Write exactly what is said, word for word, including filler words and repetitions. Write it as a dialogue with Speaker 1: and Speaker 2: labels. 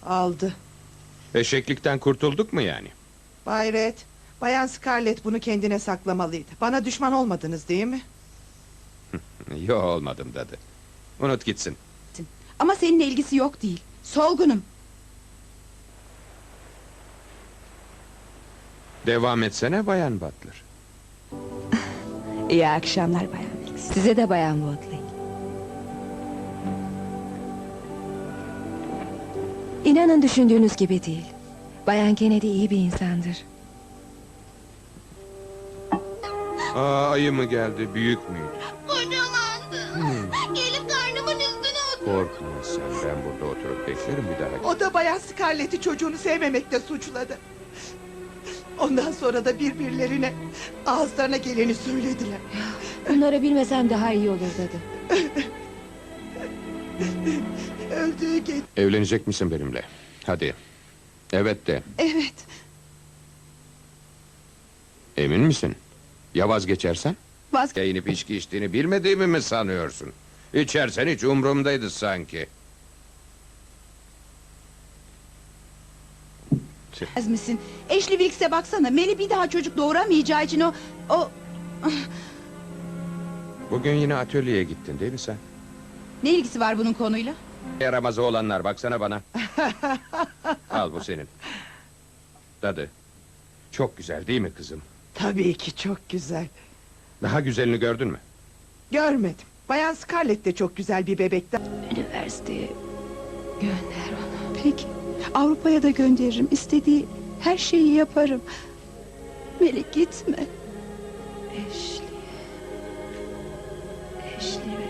Speaker 1: Aldı.
Speaker 2: Eşeklikten kurtulduk mu yani?
Speaker 1: Bay Red, Bayan Scarlett bunu kendine saklamalıydı. Bana düşman olmadınız değil mi?
Speaker 2: Yo, olmadım dadı. Unut gitsin.
Speaker 3: Ama seninle ilgisi yok değil. Solgunum.
Speaker 2: Devam etsene Bayan Butler.
Speaker 3: İyi akşamlar Bayan Wilkes.
Speaker 4: Size de Bayan Woodley. İnanın düşündüğünüz gibi değil. Bayan Kennedy iyi bir insandır.
Speaker 2: Aa, ayı mı geldi, büyük müydü?
Speaker 5: Kocamandı. Gelip karnımın üstüne oturdu.
Speaker 2: Korkma sen, ben burada oturup beklerim bir daha.
Speaker 1: O da Bayan Scarlett'i çocuğunu sevmemekle suçladı. Ondan sonra da birbirlerine ağızlarına geleni söylediler.
Speaker 4: Bunları bilmesem daha iyi olur dedi.
Speaker 1: Öldüğü gece...
Speaker 2: Evlenecek misin benimle? Hadi. Evet de.
Speaker 3: Evet.
Speaker 2: Emin misin? Ya vazgeçersen?
Speaker 3: Vazge...
Speaker 2: Ya inip içki içtiğini bilmediğimi mi sanıyorsun? İçersen hiç umurumdaydı sanki.
Speaker 3: Ez misin? Ashley Wilkes'e baksana. Melih bir daha çocuk doğuramayacağı için o... o...
Speaker 2: Bugün yine atölyeye gittin değil mi sen?
Speaker 3: Ne ilgisi var bunun konuyla?
Speaker 2: Yaramazı olanlar, baksana bana. Al, bu senin. Dadı. Çok güzel değil mi kızım?
Speaker 1: Tabii ki çok güzel.
Speaker 2: Daha güzelini gördün mü?
Speaker 1: Görmedim. Bayan Scarlett de çok güzel bir bebekti.
Speaker 4: Üniversiteye gönder onu.
Speaker 3: Peki. Avrupa'ya da gönderirim. İstediği her şeyi yaparım. Melih gitme.
Speaker 4: Ashley. Ashley ve